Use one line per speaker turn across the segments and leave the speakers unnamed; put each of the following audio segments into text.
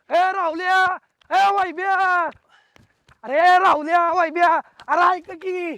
ए राहुल्या, ए वाईब्या, अरे राहुल्या वाईब्या, अरे ऐक की.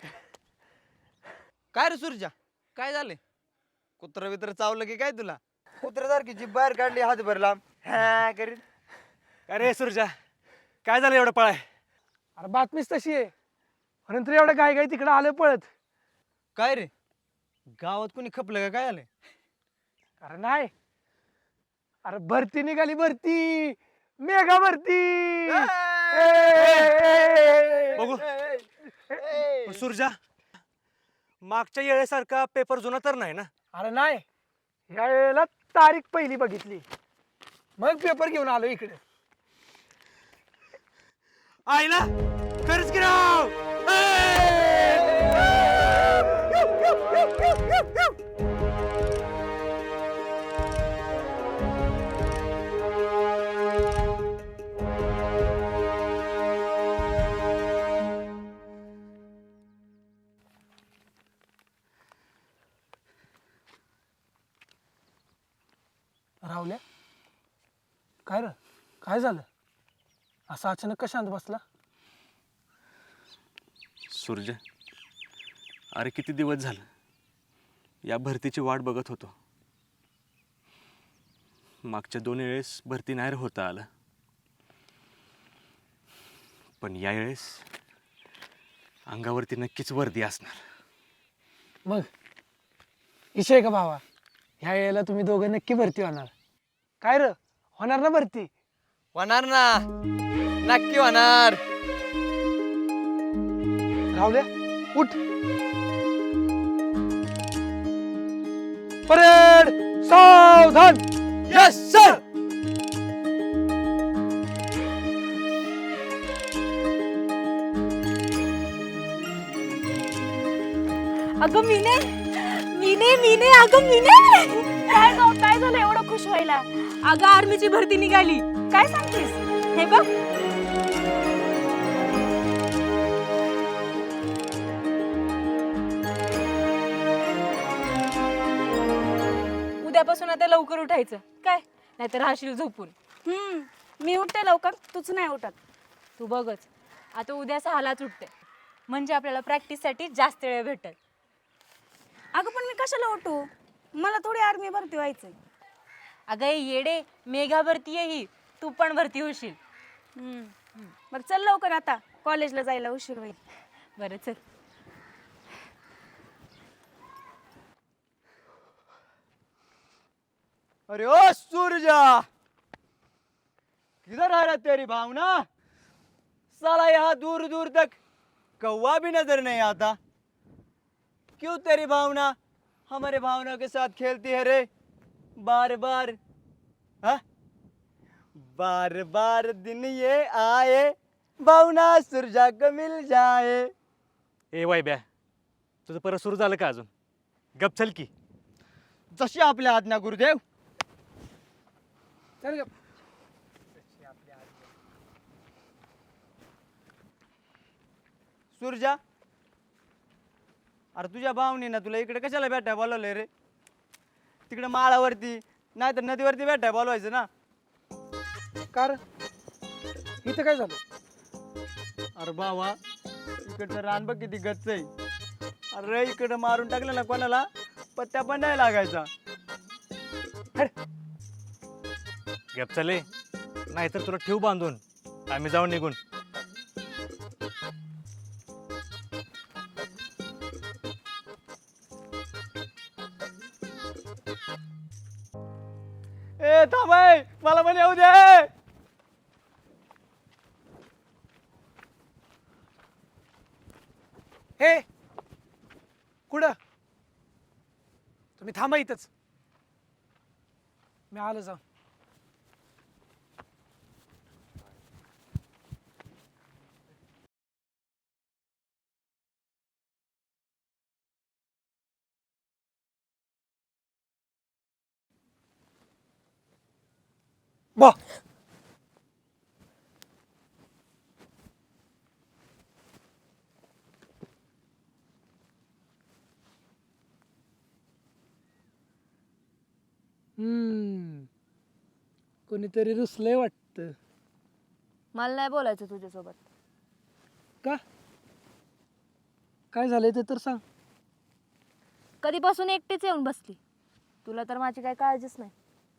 काय रे सुरजा, काय झाले? कुत्र बित्र चावलं की काय तुला? कुत्र्यासारखी जीभ बाहेर काढली, हात भरला हा करीत.
अरे सुरजा, काय झालं एवढं पळाय?
अरे बातमीच तशी आहे. नंतर एवढं गाय गाय तिकडे आलं पळत.
काय रे, गावात कोणी खपलं का काय आलंय?
अरे नाही, अरे भरती निघाली, भरती, मेगा भरती.
बघू. पण सुरजा, मागच्या येळेसारखा पेपर जुना तर नाही ना?
अरे नाही, या वेळेला तारीख पहिली बघितली, मग पेपर घेऊन आलो इकडे.
आईला खरंच की राव.
राहुल्या, काय र, काय झालं? असं अचानक का शांत बसला?
सुरजा, अरे किती दिवस झालं या भरतीची वाट बघत होतो. मागच्या 2 वेळेस भरती नाही होता आलं, पण या वेळेस अंगावरती नक्कीच वर्दी असणार.
मग विषय का भावा, ह्या वेळेला तुम्ही दोघं नक्की भरती होणार. काय र, होणार ना भरती?
होणार ना, नक्की होणार.
राहुल्या, उठ. परेड, सावधान.
Yes sir.
अगं मीने, मीने मीने अगं मीने, काय झालं एवढं खुश व्हायला? अगं आर्मीची भरती निघाली. काय सांगतेस? हे बघ. उद्यापासून आता लवकर उठायचं काय, नाहीतर राहशील झोपून.
मी उठते लवकर, तूच नाही उठत.
तू बघच, आता उद्या 6लाच उठते, म्हणजे आपल्याला प्रॅक्टिससाठी जास्त वेळ भेटेल.
अगं पण मी कशाला उठू? मला थोडी आर्मी भरती व्हायचंय.
अगं हे येडे, मेघा भरती आहे ही, तू पण भरती होशील.
बरं चल लवकर, आता कॉलेजला जायला उशीर होईल.
बरं चल.
अरे ओ सूरजा, किधर आ रहा तेरी भावना? साला यहाँ दूर दूर तक कौवा भी नजर नहीं आता. क्यों तेरी भावना हमारे भावना के साथ खेलती है रे? बार बार, हाँ? बार बार दिन ये आए, भावना सुरजा को मिल जाए.
ए वाईब्या, तुझं परत सुरू झालं का अजून? गप चल की.
जशी आपल्या आज्ञा गुरुदेव.
चल ग.
सुरजा, अरे तुझ्या भावनीनं तुला इकडे कशाला भेटाय बोलवलंय रे? तिकडे माळावरती नाही तर नदीवरती भेटाय बोलवायचं ना.
कार इथं काय झालं?
अरे बाबा, इकडचं रान बघ किती गच्च आहे. अरे इकडं मारून टाकलं ना कोणाला, पत्त्या पण नाही लागायचा.
गप चले, नाहीतर तुला ठेव बांधून, आम्ही जाऊन निघून.
ए थांबाय, मला पण येऊ दे.
हे कुठं? तुम्ही थांबा इथंच, मी आलो जाऊन. बा कोणीतरी रुसलंय वाटतं. वाटतं.
मला नाही बोलायचं तुझ्यासोबत.
का काय झालंय ते तर सांग.
कधीपासून एकटीच येऊन बसली. तुला तर माझी काही काळजीच नाही.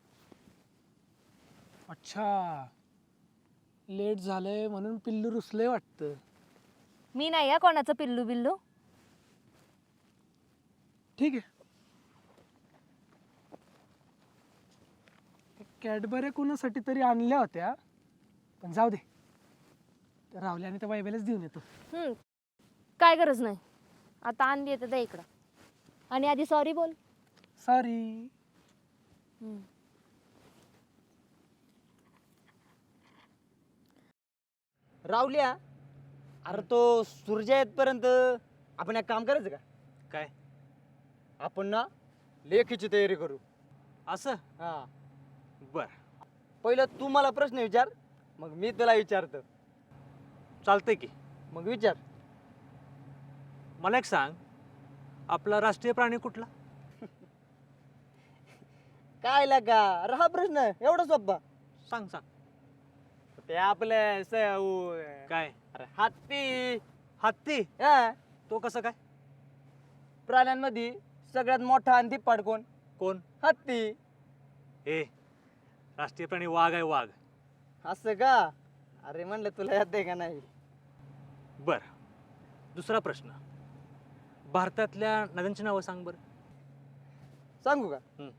अच्छा, लेट झालंय म्हणून पिल्लू रुसलंय वाटतं.
मी नाही आहे कोणाचं पिल्लू बिल्लू.
ठीक आहे. कॅडबऱ्या कोणासाठी तरी आणल्या होत्या, पण जाऊ दे. त्या रावल्या आणि त्या बायबेलाच देऊन येतो.
काय गरज नाही. आता आणली येते त्या इकडं. आणि आधी सॉरी बोल.
सॉरी.
रावल्या, अरे तो सूर्य येतपर्यंत आपण एक काम करायचं का?
काय
आपण ना लेखीची तयारी करू.
असं?
हा,
बर,
पहिलं तू मला प्रश्न विचार, मग मी तुला विचारतो.
चालतंय की.
मग विचार.
मला एक सांग, आपला राष्ट्रीय प्राणी कुठला?
काय लागा अरे हा प्रश्न एवढा सोपा.
सांग सांग.
ते आपले
काय?
अरे हत्ती.
हत्ती?
हा,
तो कसं काय?
प्राण्यांमध्ये सगळ्यात मोठा आणि धिप्पाड कोण?
कोण?
हत्ती.
हे राष्ट्रीय प्राणी वाघ आहे, वाघ.
असं का? अरे म्हणलं तुला याद आहे का नाही?
बर, दुसरा प्रश्न. भारतातल्या नद्यांची नावं सांग बरं.
सांगू का?
हम्म.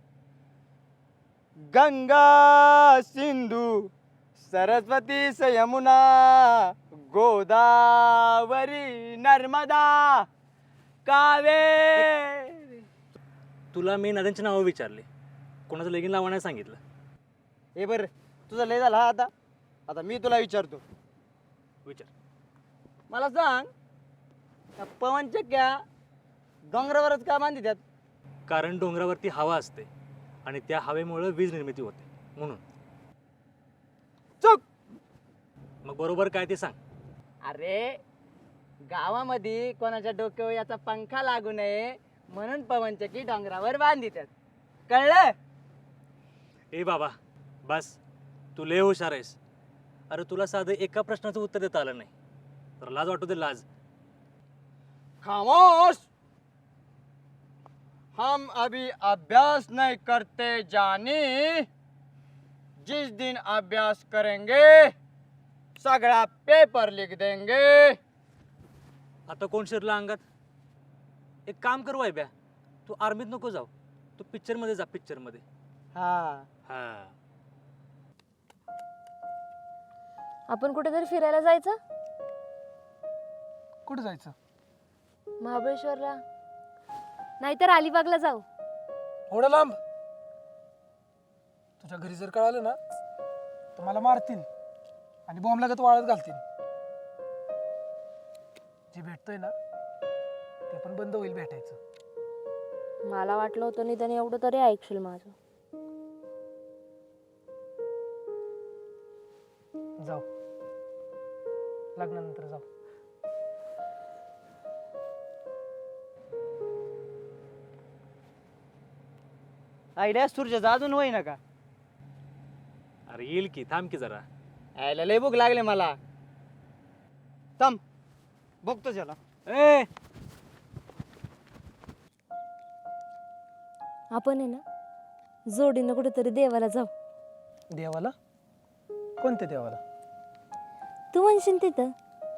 गंगा, सिंधू, सरस्वती, यमुना, गोदावरी, नर्मदा, कावेरी.
तुला मी नद्यांची नावं विचारली, कोणाचं लगीन लावा नाही सांगितलं.
हे बर, तुझा लय झाला हा आता. आता मी तुला विचारतो.
विचार.
मला सांग, त्या पवनचक्क्या डोंगरावरच का बांधितात?
कारण डोंगरावरती हवा असते आणि त्या हवेमुळे वीज निर्मिती होते म्हणून.
चुक.
मग बरोबर काय ते सांग.
अरे गावामध्ये कोणाच्या डोक्यावर याचा पंखा लागू नये म्हणून पवनचक्की डोंगरावर बांधितात. कळलं?
ए बाबा बस, तू लय हुशार आहेस. अरे तुला साधं एका प्रश्नाचं उत्तर देता आलं नाही, तर लाज वाटू दे, लाज.
खामोश. हम अभी अभ्यास नहीं करते जानी. जिस दिन अभ्यास करेंगे सगळा पेपर लिख देंगे.
आता कोण शिरला अंगात? एक काम कर वायब्या, तू आर्मीत नको जाऊ, तू पिक्चरमध्ये जा, पिक्चरमध्ये.
हा,
हा.
आपण कुठेतरी फिरायला जायचं.
कुठं जायचं?
महाबळेश्वरला नाहीतर अलिबागला जाऊ.
एवढं लांब? तुझ्या घरी जर कळालं ना तर मला मारतील आणि बॉम्ब लागत वाळत घालतील. जे भेटतोय ना ते पण बंद होईल भेटायचं.
मला वाटलं होतं निदान एवढं तरी ऐकशील माझं.
जाऊ, लग्नानंतर जाऊ.
आयडिया सूर्याचा अजून होई ना का?
अरे येईल की, थांब की जरा.
यायला लय भूक लागले मला. थांब बघतो त्याला.
ए
आपण आहे ना जोडीनं कुठेतरी देवाला जाऊ.
देवाला? कोणत्या देवाला?
तू म्हणशील तिथं.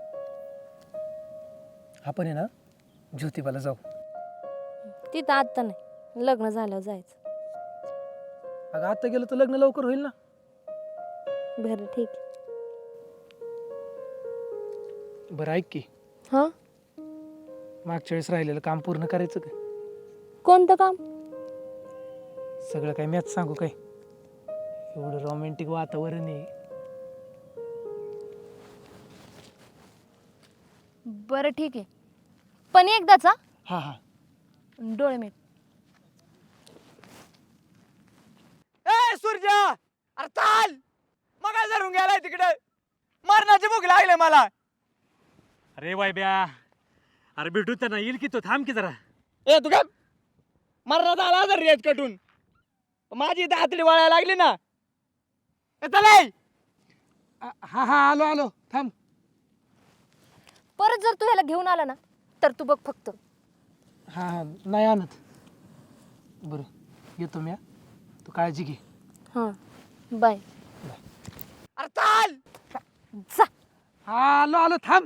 आपण आहे ना ज्योतिबाला जाऊ.
तिथं आत्ता नाही, लग्न झाल्यावर जायचं.
अगं आता गेलं तर लग्न लवकर होईल ना.
बरं ठीक आहे.
बरं ऐक की,
हां,
मागच्या वेळेस राहिलेलं काम पूर्ण करायचं का?
कोणतं काम?
सगळं काय मॅच सांगू काय? एवढं रोमॅन्टिक वातावरण आहे.
बरं ठीक आहे, पण एकदाच हा.
हा हा.
डोळे मीट.
ए सूर्या, अरे चाल. मग धरून गेलाय तिकडे. मरणाची भूक लागले मला.
अरे वायब्या, अरे भेटू त्यांना, येईल की तो, थांब की जरा.
ए तू काय मरणात आला जर रेत कटून. माझी इथं हातडी वाळायला लागली ना. ए चल ए.
हा हा आलो आलो थांब.
परत जर तू ह्याला घेऊन आला ना तर तू बघ फक्त.
हा हा नाही आणत. बरं येतो मी हा. तू काळजी घे.
हां बाय.
अरे चाल.
जा.
हा आलो आलो थांब.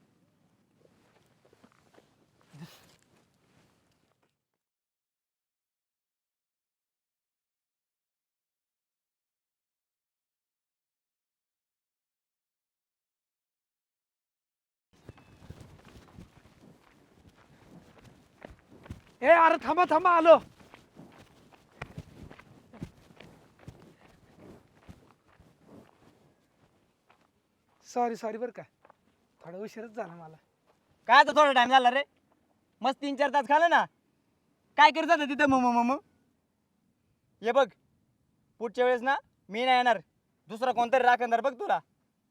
ए अरे थांबा थांबा आलो. सॉरी सॉरी बरं का, थोडा उशीरच झाला मला.
काय आता थोडा टाइम झाला रे, मस्त 3-4 तास खाल्लं ना. काय करत होता तिथं मम. ये बघ, पुढच्या वेळेस ना मी नाही येणार, दुसरा कोणतरी राखणार बघ तुला.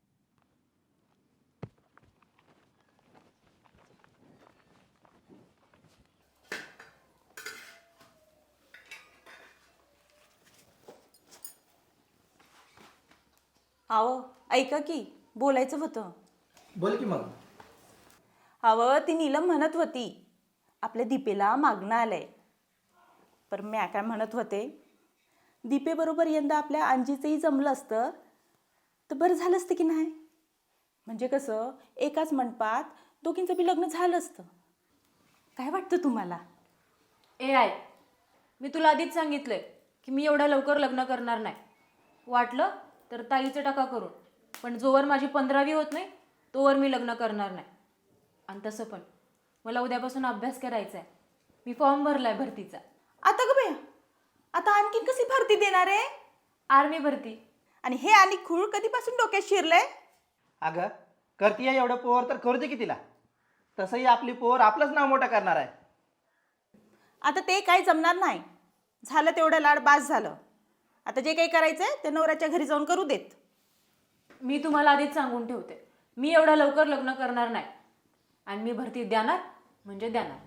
अहो ऐका की, बोलायचं होतं.
बोल की मग.
अहो ती नीलम म्हणत होती आपल्या दीपेला मागणं आलंय. पर म्या काय म्हणत होते, दीपेबरोबर यंदा आपल्या अंजीचंही जमलं असतं तर बरं झालं असतं की नाही. म्हणजे कसं एकाच मंडपात दोघींचं बी लग्न झालं असतं. काय वाटतं तुम्हाला?
ए आय, मी तुला आधीच सांगितलंय की मी एवढ्या लवकर लग्न करणार नाही. वाटलं तर ताईचं टाका करून, पण जोवर माझी 15वी होत नाही तोवर मी लग्न करणार नाही. आणि तसं पण मला उद्यापासून अभ्यास करायचा आहे. मी फॉर्म भरलाय भरतीचा.
आता ग बया, आता आणखीन कशी भरती देणार आहे?
आर्मी भरती.
आणि हे आणि खूळ कधीपासून डोक्यात शिरलंय?
अगं करतीये एवढं पोर तर करू दे की तिला. तसंही आपली पोर आपलंच नाव मोठं करणार आहे.
आता ते काही जमणार नाही. झालं तेवढं लाड बास झालं. आता जे काही करायचंय ते नवऱ्याच्या घरी जाऊन करू देत.
मी तुम्हाला आधीच सांगून ठेवते, मी एवढ्या लवकर लग्न करणार नाही. आणि मी भरती देणार म्हणजे देणार.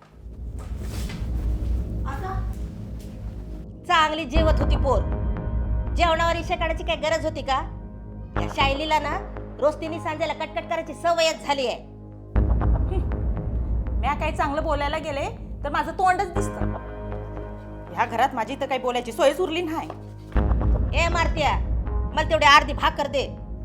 चांगली जेवत होती पोर. जेवणावर इशा काढायची काय गरज होती का? या शायलीला ना रोज तिने सांजेला कटकट करायची सवयच झाली आहे.
म्या काही चांगलं बोलायला गेले तर माझं तोंडच दिसतं. ह्या घरात माझी तर काही बोलायची सोयच उरली नाही.
ए मारत्या, मला तेवढी अर्धी भाकर दे.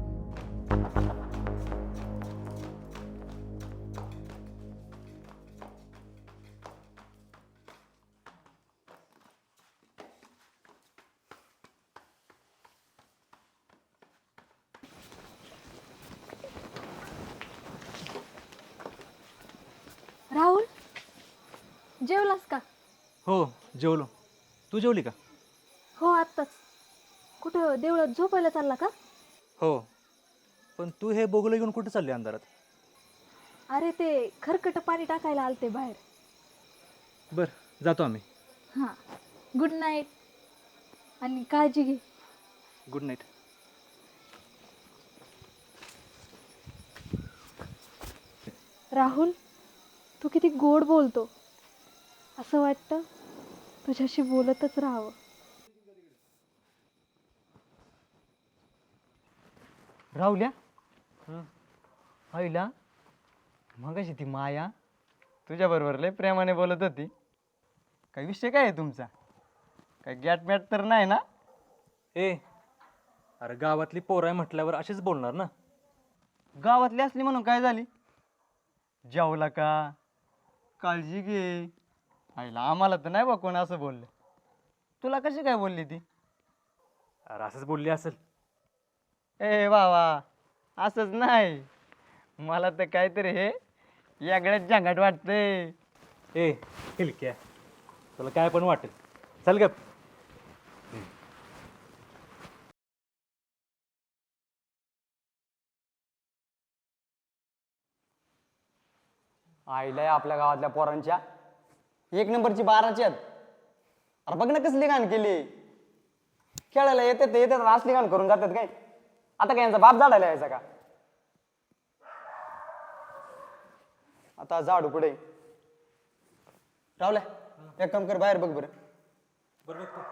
राहुल जेवलास का?
हो जेवलो. तू जेवली का?
हो आत्ताच. कुठं देवळात झोपायला चालला का?
हो, पण तू हे बोगलं घेऊन कुठे चालली अंधारात?
अरे ते खरकट पाणी टाकायला आलते बाहेर.
बरं जातो आम्ही.
हां गुड नाईट आणि काळजी घे.
Good night.
राहुल तू किती गोड बोलतो. असं वाटतं तुझ्याशी बोलतच राहावं.
राहुल्या आईला मगाशी ती माया तुझ्याबरोबर लय प्रेमाने बोलत होती. काही विषय काय आहे तुमचा? काही गॅट मॅट तर नाही ना?
ए अरे गावातली पोरं आहे म्हटल्यावर अशीच बोलणार ना.
गावातली असली म्हणून काय झाली? जेवला का? काळजी घे. आईला आम्हाला तर नाही बा कोण असं बोललं. तुला कशी काय बोलली ती?
अरे असंच बोलली असेल.
ए बाबा असंच नाही, मला तर काहीतरी हे वेगळ्याच झंगाट वाटतंय.
ए हिलक्या, तुला काय पण वाटेल. चल गप.
आईला आपल्या गावातल्या पोरांच्या 1 नंबरची 12ची आहेत. अरे बघ ना कसली घाण केली. खेळायला येतात ते येतात, असली घाण करून जातात काय. आता काय यांचा बाप झाडायला यायचा का? आता झाडू पुढे रावल्या, एक काम कर, बाहेर बघ बरं.
बरोबर.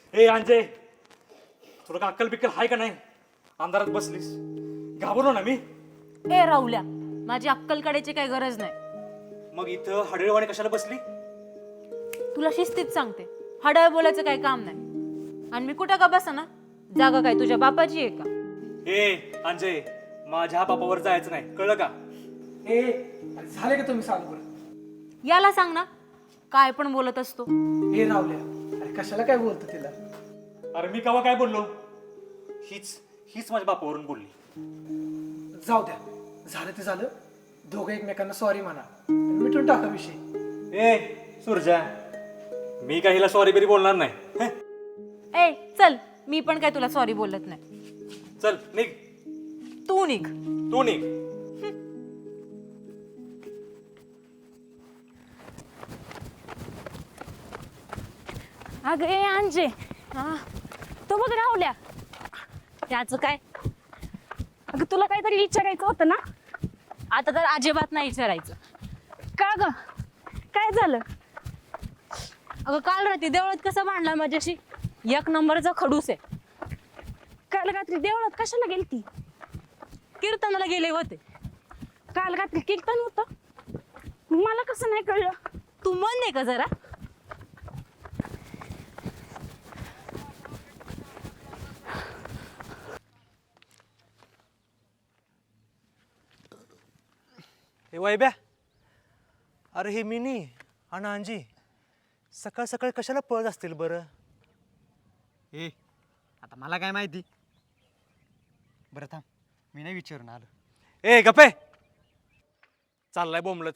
ए अंजय, तुला का अक्कल बिक्कल हाय का नाही? अंधारात बसलीस, घाबरलो ना मी.
ए राहुल्या, माझी अक्कल काढायची काही गरज नाही.
मग इथं हडळवाणी कशाला बसली?
तुला शिस्तीत सांगते, हडळ बोलायचं काही काम नाही. आणि मी कुठं का बसा ना, जागा काय तुझ्या बापाची आहे का?
ए अंजय, माझ्या बापावर जायचं नाही, कळलं का?
ए अरे झाले का तुम्ही चालू बरं?
याला सांग ना, काय पण बोलत असतो.
ए रावल्या, अरे कशाला काय बोलतो तिला?
अरे मी कवा काय बोललो? हीच माझ्या बापावरून बोलली.
जाऊ द्या, झालं ते झालं. दोघं एकमेकांना सॉरी म्हणा आणि मिटून टाका विषय.
ए सुरजा, मी काही हिला सॉरी बिरी बोलणार नाही. हं?
ए चल, मी पण काय तुला सॉरी बोलत नाही.
चल निघ,
तू निघ.
तू निघ.
अगं ए अंजे, हा तो बघ राहुल्या. त्याचं काय? अगं तुला काहीतरी विचारायचं होतं ना?
आता तर अजिबात नाही विचारायचं.
का ग, काय झालं?
अगं काल रात्री देवळात कसं भांडला माझ्याशी, एक नंबरचा खडूस आहे.
काल रात्री देवळात कशाला गेलती?
कीर्तनाला गेले होते.
काल रात्री कीर्तन होतं? मला कसं नाही कळलं?
तू मन नाही का जरा?
हे वैब्या, अरे हे मिनी आणि अंजी सकाळ सकाळी कशाला पळत असतील बरं?
ए आता मला काय माहिती. बरं थांब, मी नाही विचारून आलो.
ए गप्पे, चाललाय बोंबलत.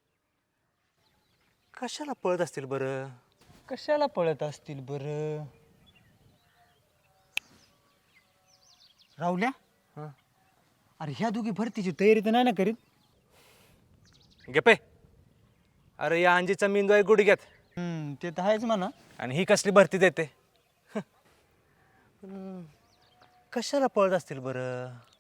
कशाला पळत असतील बरं?
कशाला पळत असतील बरं? राहुल्या,
हं?
अरे ह्या दोघी भरतीची तयारी तर नाही ना करीत?
गप्पे, अरे या अंजीचा मेंदू आहे गुडघ्यात
ते तर आहेच म्हणा.
आणि ही कसली भरती देते. कशाला पळत असतील बरं?